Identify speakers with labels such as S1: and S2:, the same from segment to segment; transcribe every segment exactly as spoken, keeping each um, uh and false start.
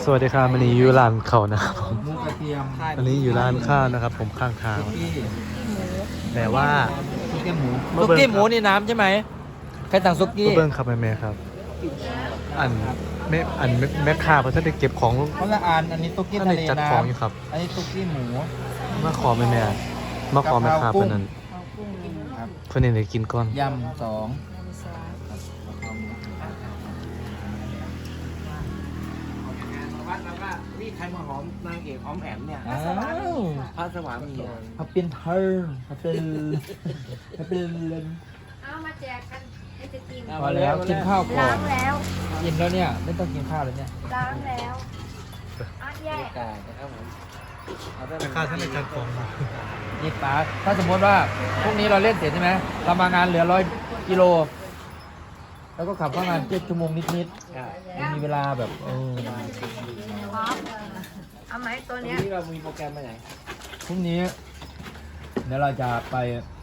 S1: สวัสดีครับวันนี้อยู่ร้านเขานะครับผม
S2: หมูกระเทียม
S1: อันนี้อยู่ร้านข้าวนะครับ ผมข้างทาง
S2: ที่
S1: แต่ว่า
S2: ซุกี้หมู
S1: มา
S3: ซุ
S1: เบิ่ง
S3: กี้หมูนี่น้ำใช่ไหมใครสั่งซุกี้
S1: มาเบิ้งครับแม่แม่ครับ อันแม่อันแม่แม่ค้าเพราะท่านได้เก็บของ
S2: คนละอันอันนี้ซุกี้
S1: ท่าน
S2: ทะ
S1: ได้
S2: เล
S1: จัด
S2: น้
S1: ของอยู่ครับ
S2: ำอันนี้ซุกี้หมู
S1: มาขอแม่แม่มาขอแม่ค้าเพื่อนนั้น
S2: ครับ
S1: เพื่อนนี่ได้กินก่อน
S2: ยำสอง
S4: วัดแล้วก็นี่ใครมาหอมนางเอกหอมแอมเนี่ย
S2: อ้าว
S4: พระสวามีอะ
S2: พับเป็นเธอพับเป็นพับเป็น
S5: เอามาแจกกันให้จะกิน
S2: พอแล้วกินข้าวก่อ
S5: ล้าน งแล้ว
S2: กินแล้วเนี่ยไม่ต้องกินข้าวแล้วเนี่ย
S5: ล้างแล้วอ่ะแย่
S4: กายนะครับผมเอาได้
S1: แม่ค้าท่านได้จัดของ
S2: นี่ป้าถ้าสมมติว่าพรุ่งนี้เราเล่นเสร็จใช่ไหมเรามางานเหลือร้อยกิโลแล้วก็ขับเข้างานเจ็ดชั่วโมงนิดๆยังมีเวลาแบบเออ
S5: พร้อมเอาไหมตัว
S4: วัน
S5: เนี้ย
S4: นี้เรามีโปรแกรมไปไหน
S2: พรุ่งนี้เดี๋ยวเราจะไป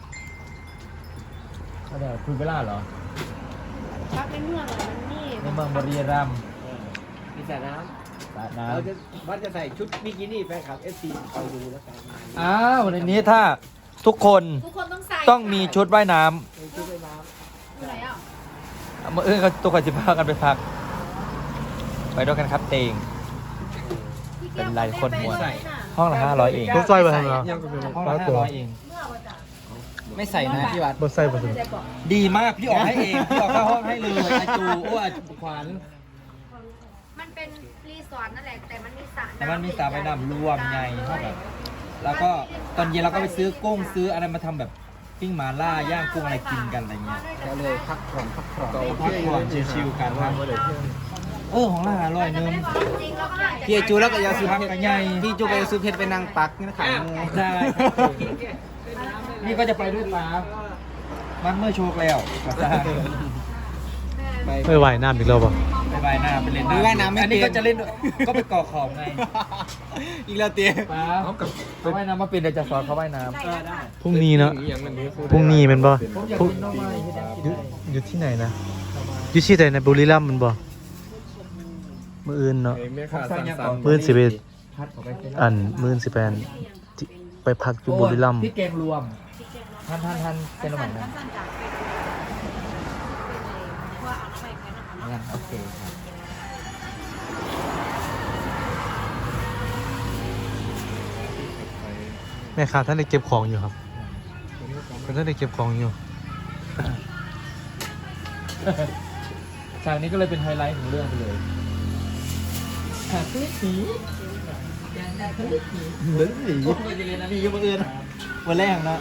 S2: ก็เดี๋ยวคุยเวลาเหรอ
S5: พักในเมืองเหรอมันนี่
S2: ในเมืองบุรีรัมย์
S4: เออมีสระน้
S2: สระ
S4: ำ
S2: น้
S4: เราจะวัดจะใส่ชุดบิกินี่แฟนคลับเอฟซีคอยดูแล้วกัน
S2: ำอ้าวในนี้ถ้าทุกคน
S5: ทุกคนต้องใส่
S2: ต้องมีชุดว่ายน้
S4: มีชุดว่ายน้
S5: อยู่ไหนอ่ะ
S2: ำเมื่อเอื้อเขาตัวกันจะพากันไปพัก ไปด้วยกันครับเตง
S5: พี่
S2: เป็น
S5: แก้ว
S2: ลายคนหมวด
S5: ไไหะ
S2: ห้องละห้าร้อยเอง
S1: ผมใส่ไปทำแล้ว
S2: ห้องละห้าร้อยเอง
S5: เมื่อวานจ้ะ
S2: ไม่ใส่นะพี่วัด
S1: บ่ใส่บ่ใส่
S5: ไม่ได้บอก
S2: ดีมากพี่ออกให้เองพี่ออกเข้าห้องให้เลยอาจูโอ้อาจูขวัญ
S5: มันเป็นรีสอร์ทนั่นแหละแต่มันมีสระ
S2: แต่มันมีสระว่ายน้ำรวมไงเท่าแบบแล้วก็ตอนเย็นเราก็ไปซื้อกุ้งซื้ออะไรมาทำแบบปิ้งหมาล่าย่างกุ้งอะไรกินกันอะไรเงี้ย
S4: ำก็เลยพักผ่อนพักผ่อน
S2: พักผ่อนชิวๆกันครับเออของละห้าร้อยหนึง
S5: จริงแล้วก็ได้
S4: พี่จูแล้วก็ยาสูบ
S2: พัก
S4: เพช
S2: กัน
S4: ร
S2: ใหญ่
S4: พี่จูไปยาสูบเพชรไปนั่งปักนี่นะขังงู
S2: ได้นี่ก็จะไปด้วยป้ามันเมื่อโชว์แล้วกับซ่า
S4: ไป
S1: ไม่ไหวน้ำอีกแล้วป่ะ
S2: ไปว่ายน้ำไปเล่น
S4: ไปว่ายน้ำไม่
S2: อันนี้
S4: เป็น
S2: ก็จะเล่นด้วยก็ไปก่อขอบไง
S4: อีกแล้วเตี้ย
S2: ป้าเขาว่ายน้ำมาเป็นเดี๋ยวจะสอนเขาว่ายน้ำ
S5: ได้แล้วค่ะ
S1: พรุ่งนี้เนาะพรุ่งนี้แมันบ่
S2: ผมอยาก
S1: พรุ่ง
S2: กินน้องไม้ให้ได้กิน
S1: อยู่
S2: ได้
S1: อยู่ที่ไหนนะอยู่ที่ไหนในบุรีรัมย์แมันบ่มื้ออื่นเนาะ
S2: ผมสั่งยังก่อน
S1: มื้อสิบเอ็ด
S2: พัดออกไปเสร็จ
S1: อันมื้อสิบแปดที่ไปพักอยู่บุรีรัมย์
S2: โอ้ยพี่แกงรวมท่านท่านท่านเป็นระหว่างนั้น
S5: สั้นๆจากเป็นว่าเอาน้ำไปแค่นั้น
S2: งั้นโอเคครับ
S1: แม่ค้าท่านได้เก็บของอยู่ครับท่านได้เก็บของอยู่
S2: ฉากนี้ก็เลยเป็นไฮไลท์ของเรื่องไปเลยฉากนี้ผีเหมือนผีไม่จะเรียนนะพี่ยุบอื่นวันแรกเนาะ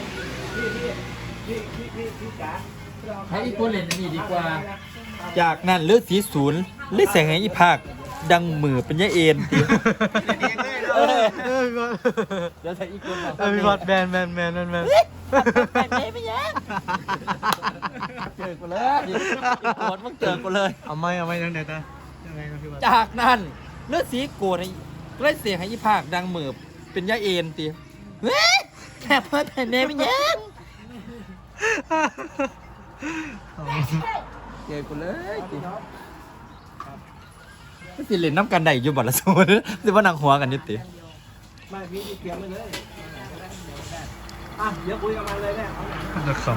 S2: ให้อีกคนเล่นอันนี่ดีกว่า จากนั้นเลือดสีศูนย์เลือดแสงให้อีภาคดังมือเป็นยะเอ็นเออ
S1: เออพี่บอล
S2: เดี๋ยวใส่อีกคนมา
S1: เออพี่บอลแมนแมนแมนแมนแมน
S2: ไปไหนไปยังเจอกูเลยอีกคนมึงเจอกูเลย
S1: เอาไม่เอาไม่ยังไงตายังไงนะพี่บอล
S2: จากนั้นเลือดสีโกรธให้เลือดเสียงให้อีภาคดังมือเป็นยะเอ็นตีเฮ้ยแค่เพิ่มแผ่นเนไปยังเจอกูเลยตีก็สิเล่นน้ำกันได้อยู่บ่ละโซนสิว่านางหัวกันอยุติ
S4: ไม่พี่เตรียมไปเลยอ่ะเดี๋ยวคุยกันมาเลยเนี่ย
S1: จะค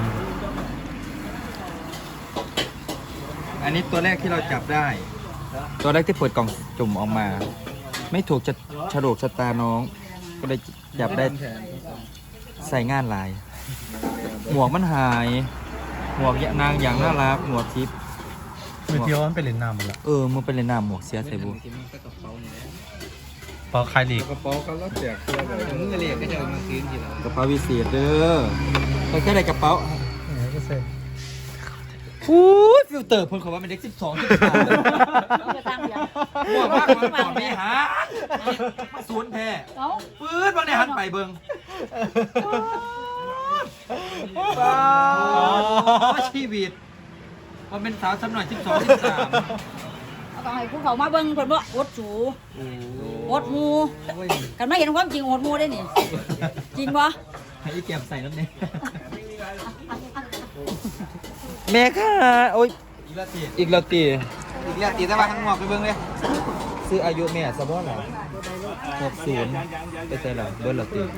S2: อันนี้ตัวแรกที่เราจับได้ ตัวแรกที่เปิดกล่องจุ่มออกมา ไม่ถูกจะฉลกชะตาน้อง ก็เลยจับได้ใส่งานลาย หมวกมันหาย หมวกนางอย่างน่ารักหมวกทิพย์
S1: ำเมื่อกี้ว่ามันไปเล่นน้ำหมดละ
S2: เออมึงเป็นเลยนามหมวกเสียใส่บุ
S1: ปอคายลีก
S4: กระเป๋าเขาแล้วแจกตัวเลยมึงก็เรียกก็จะมาซื้อทีละ
S2: กระเป๋าวิเศษเด้อไปแค่ได้กระเป๋า
S1: เนี่ยก็เซ่
S2: อู้ยฟิลเตอร์เพิ่นเขาว่าเป็นเด็กสิบสองสิบสาม
S5: จะตามอย่าง
S2: หมวกมากมันก่อนไม่หามาสวนแท้
S5: เอ้า
S2: ปื๊ดบางในหันไปเบิ่งชีวิตว่าเป็นสาวสำหน่อยสิบสองสิบสาม
S6: เอาต้องให้ผู้เขามาเบิ่งเพิ่นบ่อดสูอดหมูกันไม่เห็นความจริงอดหมูได้นี่ จริงบ่
S2: ให้อีแก้มใส่น้ำเนี่ยแม่ค่ะโอ้ยอีกแล้วตี
S4: อีกแล้วตีแต่ว่าทั้งหมอกไปเบิ่งเลย
S2: ซื้ออายุแม่ซะบ่ล่ะหกศูนย์ไปใส่ละเบิร์ดละตี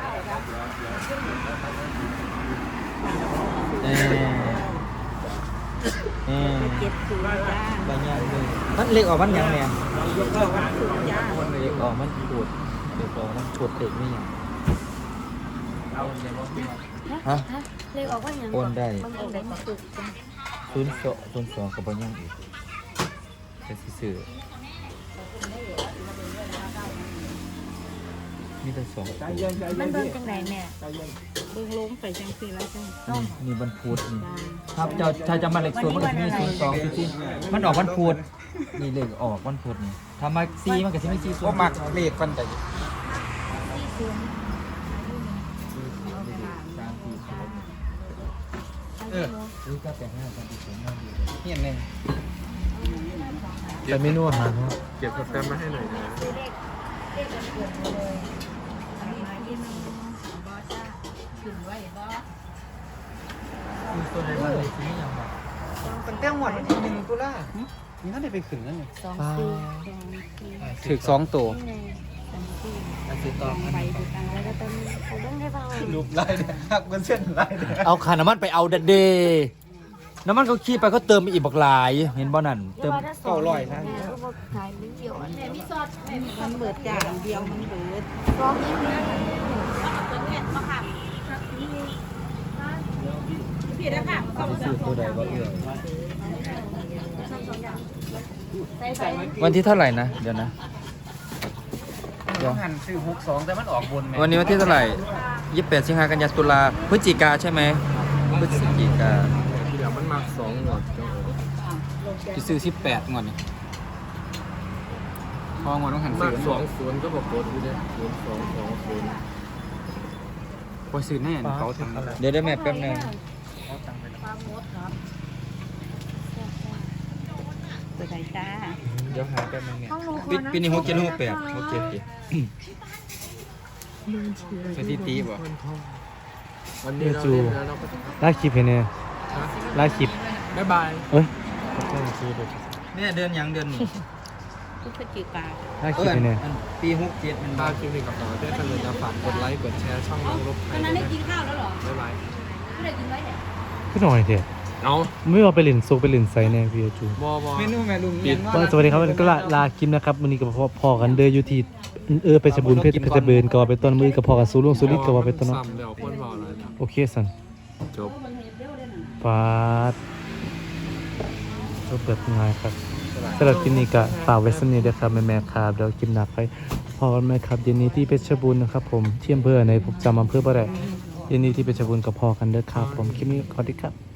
S2: เออเออ
S6: เจ็ดศูนย์จ้า
S2: ใบหญ้าเลยมันเล็กออกมันหยังแม่
S6: ศูนย์จ้า
S2: เล็กออกมันปวดเล็กออกมันปวดเตะไม่หยังฮะ
S5: เลขออกว่าอย่าง
S2: โอนได้
S5: มันออกได้สุดจ้ะ
S2: ศูนย์สองศูนย์สองกับใบหญ้าอีกเป็นซื่อมีแต่สองตัว
S5: มันเบิ่งจังไดแม่
S6: เบิ่งลงไปจังซี่แล้วจ้า
S2: นี่นี่วันพุธนี่ครับเจ้าชายจำมาเลขศูนย์มันก็จะมีศูนย์สองจริงๆมันออกวันพุธนี่เลขออกวันพุธนี่ถ้ามาซีมันก็จะไม่ซีศูนย์ก็มักเลขกันแต่ เออรู้ก็แต่ห้ากันอีกสองห้าดีเลยเห็นเลย
S1: แต่เมนูอาหารเขา
S4: เก็บสแตมป์มาให้หน่อยนะ
S2: คือตัวใดมาเลยที่นี่ยังมา
S4: ตั้งแต่หมดวันที่หนึ่งตุลานี่น่าจะไปขึ้นนั่นเลย
S6: สองสี่
S4: ถึกสองตัว
S2: อันที่ต่อ
S6: ไปดูกันแล้วก็ต้น
S5: เขาเบิ่งให้ฟัง
S4: รูปไล่เนี่ยหักมันเส้นไล่เนี่ย
S3: เอาขาน้ำมันไปเอาเดดเดน้ำมันเขาขี้ไปเขาเติมอีกบักหลาย เห็นบ่นั่นเติม
S5: แม่ก็บอกขายเป็นเดียวแม่มีซอสแม่มี
S6: มันเบิดจานเดียวมันเบิด
S5: ซอสนี้นะ
S6: พี่ได้ค่ะ
S2: ซื้อตัวใดก็เอื้อ
S5: ใส่ไป
S2: วันที่เท่าไหร่นะเดี๋ยวนะเดี๋ยว
S4: หันซื้อหกสองแต่มันออกบนแม่
S2: วันนี้วันที่เท่าไหร่ยี่สิบแปดสิงหากันยายนตุลาพฤศจิกาใช่ไหมพฤศจิกา
S4: เดี๋ยวมันมาสองหมดจะซื้อสิบแปดงอนนี่พองอนต้องหันซื้อสองศูนย์ก็บอกโคตรอยู่เลยศูนย์สองสองศูนย์พอซื้อแน่เขาทำ
S2: เดี๋ยวได้แม่แป๊บนึง
S6: ตัวไหนจ้า
S2: เดี๋ยวหาแป๊บนึงเนี่ย
S5: ห้องหนูขอ
S2: ปี
S5: นะ
S2: ปีนี้หกเจ็ดหกแปดหกเจ็ด
S4: สถิติบ่วัน
S1: เดี๋
S4: นี้
S1: ยว
S4: เรา
S1: จู
S4: เล่นแล้วเราก็ต้อง
S1: ลากคลิปให้เนี่ยลากคลิป
S4: บ๊ายบาย
S1: เอ้ยขอโทษทีเดี๋ยว
S2: เนี่ยเดือนยังเดือนนี้
S6: ทุกพฤศจิกา
S1: ลากคลิปให้เนี่ย
S2: อันปีหกเจ็ดมัน
S4: ถ้าคลิปนี้กับเราได้กันเลยจะฝากกดไลค์กดแชร์ช่องน้องลบไท
S6: ตอย นนั้นได้กินข้าวแล้วเหรอ
S4: บ๊ายบาย
S6: ไม่ได้กินไว้เนี่ย
S1: ขึ้นหน่อยเถอะ
S4: เอา
S1: ไม่ว่าไปเล่นซุกไปเล่นไซแน่พี่จู
S4: บอบอ
S2: เมนูแม่ลุง
S4: ปิด
S1: ว่าสวัสดีครับวันนี้ก็ลาลาคลิปนะครับวันนี้ก็พอพอกันเดออยู่ที่เออไปสบุญเพชรเพชรเบิร์นก็ว่าไปต้นมือกับพอกันสู้ลุงสู้ลิศก็ว่าไปต้นเนาะ
S4: ซ้ำเดี๋ยวคนบอกเลยนะ
S1: โอเคสัน
S4: จบ
S1: ฟาดก็เปิดง่ายครับสำหรับคลิปนี้ก็ฝากไว้สักนิดเดียวครับแม่ๆครับเดี๋ยวคลิปหนักไปพอกันไหมครับเย็นนี้ที่เพชรบูรณ์นะครับผมที่อำเภอในผมจำอำเภอบ่ได้เย็นนี้ที่เพชรบูรณ์กับพอกันเด้อครับผมคลิปนี้ขอดีครับ